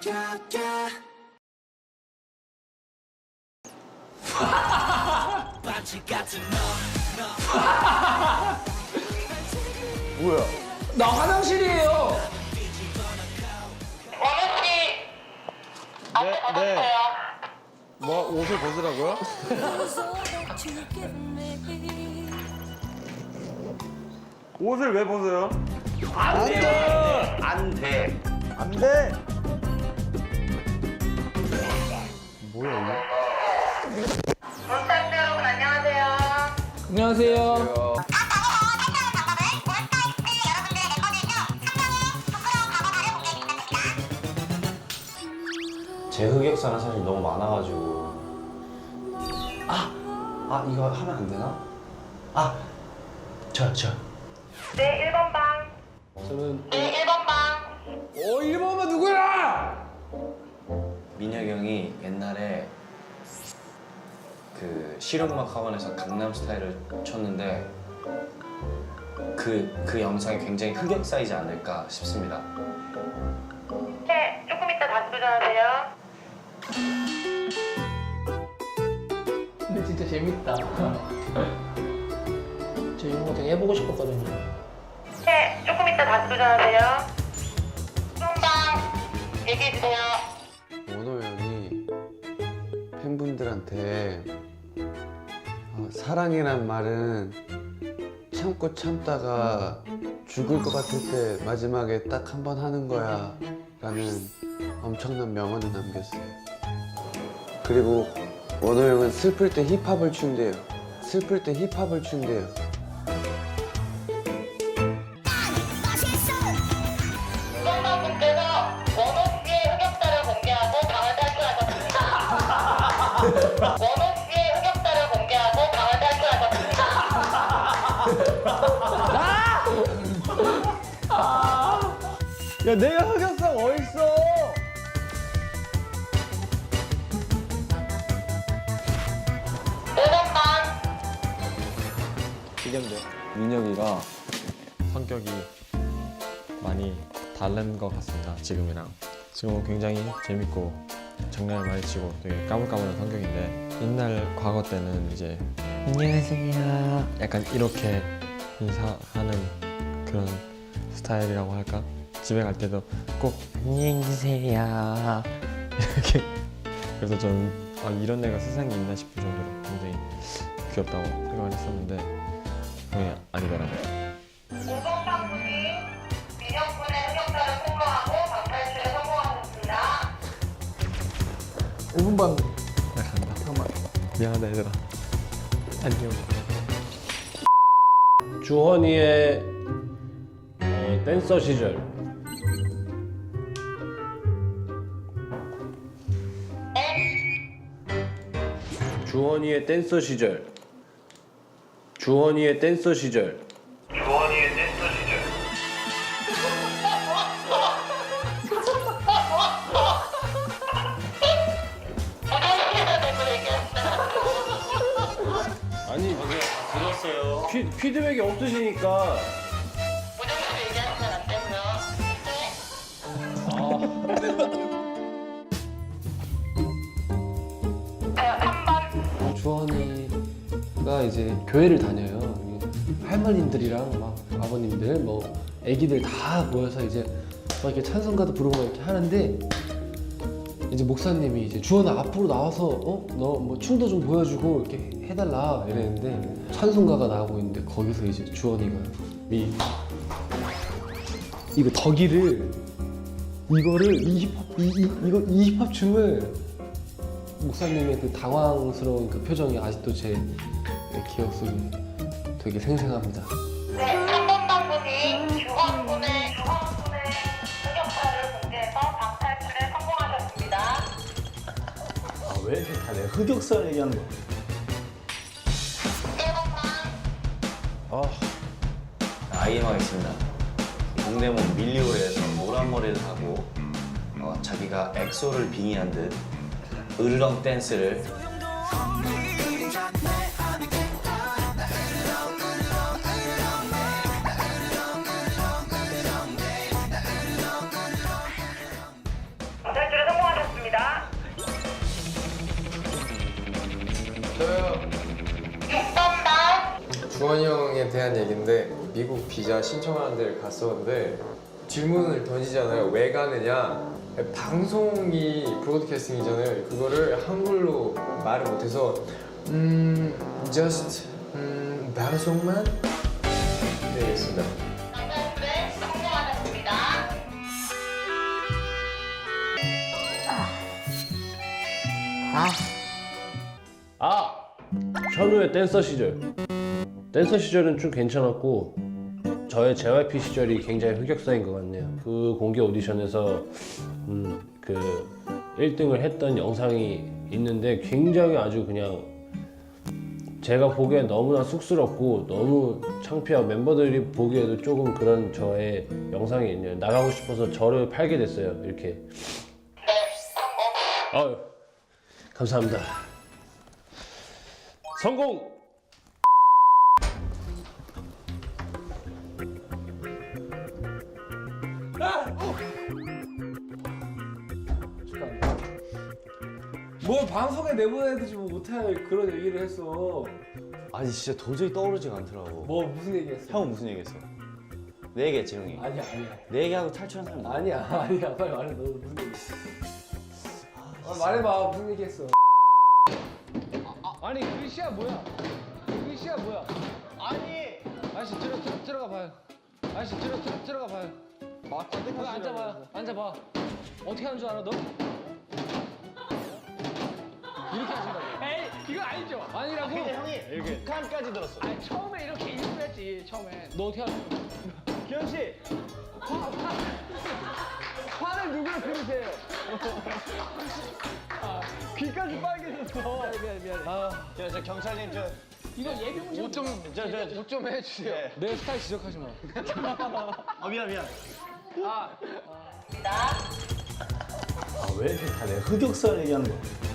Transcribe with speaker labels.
Speaker 1: 뭐야?
Speaker 2: 나 화장실이에요.
Speaker 1: 네. 뭐 옷을 벗으라고요? 옷을 왜 벗어요?
Speaker 2: 안 돼.
Speaker 3: 안 돼.
Speaker 1: 안 돼. 뭐야
Speaker 4: 몬스타엑스 여러분 안녕하세요.
Speaker 2: 안녕하세요.
Speaker 3: 제 흑역사는 사실 너무 많아가지고. 이거 하면 안 되나? 저.
Speaker 4: 네, 1번 방.
Speaker 2: 저는
Speaker 4: 네, 1번 방.
Speaker 2: 1번은 누구야?
Speaker 3: 민혁이 형이 옛날에 그 실용음악 학원에서 강남스타일을 췄는데 그 영상이 굉장히 흑역사이지 않을까 싶습니다.
Speaker 4: 네, 조금 이따 다시 도전하세요.
Speaker 2: 근데 진짜 재밌다. 저 이런 거 되게 해보고 싶었거든요.
Speaker 4: 네, 조금 이따 다시 도전하세요. 1번 방. 얘기해주세요.
Speaker 1: 원호 형이 팬분들한테 사랑이란 말은 참고 참다가 죽을 것 같을 때 마지막에 딱 한 번 하는 거야 라는 엄청난 명언을 남겼어요. 그리고 원호 형은 슬플 때 힙합을 춘대요. 슬플 때 힙합을 춘대요.
Speaker 4: 수험방분께서 원호 씨의 흑역사를 공개하고 방을 탈출하셨습니다. 원호 씨의 흑역사를 공개하고 방을 탈출하셨습니다.
Speaker 1: 야, 내가 흑역사가 어딨어?
Speaker 5: 민혁이가 성격이 많이 다른 것 같습니다. 지금이랑. 지금은 굉장히 재밌고 장난을 많이 치고 되게 까불까불한 성격인데 옛날 과거 때는 이제 안녕하세요 약간 이렇게 인사하는 그런 스타일이라고 할까? 집에 갈 때도 꼭 안녕히 계세요 이렇게. 그래서 저는 이런 애가 세상에 있나 싶을 정도로 굉장히 귀엽다고 생각을 했었는데 그게 아니더라고요.
Speaker 4: 5번 방분이 민혁군의 흑역사를 폭로하고 방탈출에 성공하셨습니다.
Speaker 2: 5분 반.
Speaker 5: 나 간다. 잠깐만. 미안하다 얘들아. 안녕.
Speaker 6: 주헌이의 댄서 시절. 주헌이의 댄서 시절. 주헌이의 댄서 시절. 아니
Speaker 3: 들었어요.
Speaker 6: 피드백이 없으시니까.
Speaker 4: 무정수 얘기하시면 안 되고요. 네. 3번.
Speaker 7: 주헌이가 이제 교회를 다녀요. 할머님들이랑 막 아버님들, 뭐 아기들 다 모여서 이제 막 이렇게 찬송가도 부르고 이렇게 하는데 이제 목사님이 이제 주헌아 앞으로 나와서 너 뭐 춤도 좀 보여주고 이렇게 해달라 이랬는데 찬송가가 나오고 있는데 거기서 이제 주헌이가 이거 덕이를 이거를 이 힙합 춤을 목사님의 그 당황스러운 그 표정이 아직도 제 기억 속에 되게 생생합니다.
Speaker 4: 네, 3번 방분이 주헌군의 흑역사를 공개해서 방탈출에 성공하셨습니다.
Speaker 1: 왜 이렇게 다 내 흑역사를 얘기하는 거야?
Speaker 4: 1번 방.
Speaker 3: 아이엠 하겠습니다. 동대문 밀리오레에서 노란 머리를 하고 자기가 엑소를 빙의한 듯 으르렁 댄스를
Speaker 4: 방탈출에
Speaker 8: 주원이 형에 대한 얘기인데 미국 비자 신청하는 데를 갔었는데 질문을 던지잖아요. 왜 가느냐? 방송이 브로드캐스팅이잖아요. 그거를 한글로 말을 못해서 just 방송만 네, 있습니다.
Speaker 4: 방탈출에 성공하셨습니다.
Speaker 6: 현우의 댄서 시절. 댄서 시절은 좀 괜찮았고 저의 JYP 시절이 굉장히 흑역사인 것 같네요. 그 공개 오디션에서 그 1등을 했던 영상이 있는데 굉장히 아주 그냥 제가 보기엔 너무나 쑥스럽고 너무 창피하고 멤버들이 보기에도 조금 그런 저의 영상이 있네요. 나가고 싶어서 저를 팔게 됐어요. 이렇게. 아유, 감사합니다. 성공!
Speaker 7: 뭘 방송에 내보내듯이 뭐 못할 그런 얘기를 했어.
Speaker 9: 아니 진짜 도저히 떠오르지가 않더라고.
Speaker 7: 뭐 무슨 얘기했어?
Speaker 9: 형은 무슨 얘기했어? 내 얘기했지 형이.
Speaker 7: 아니야.
Speaker 9: 내 얘기하고 탈출한 사람 누구야?
Speaker 7: 아니야. 빨리 말해. 너 무슨 얘기했어? 말해봐. 무슨 얘기했어? 아니 글씨야 뭐야? 글씨야 뭐야? 아니 아저씨 들어가 봐요. 아저씨 들어가 봐요. 맞다. 앉아봐요. 앉아봐. 어떻게 하는 줄 알아 너? 이렇게 하신다고.
Speaker 2: 에이 이거 아니죠.
Speaker 7: 아니라고?
Speaker 9: 형이 북한까지 들었어.
Speaker 2: 아니 처음에 이렇게 인수했지 처음에.
Speaker 7: 너 어떻게 하는 거야?
Speaker 9: 기현 씨.
Speaker 2: 화를 누구를 그리세요?
Speaker 9: 귀까지 빨개졌어.
Speaker 2: 미안해.
Speaker 9: 저 경찰님 저.
Speaker 2: 이거 예비
Speaker 9: 옷 좀
Speaker 2: 해주세요.
Speaker 9: 예.
Speaker 7: 내 스타일 지적하지 마.
Speaker 9: 미안.
Speaker 4: 입니다.
Speaker 9: 왜 이렇게 다 내 흑역사를 얘기하는 거야?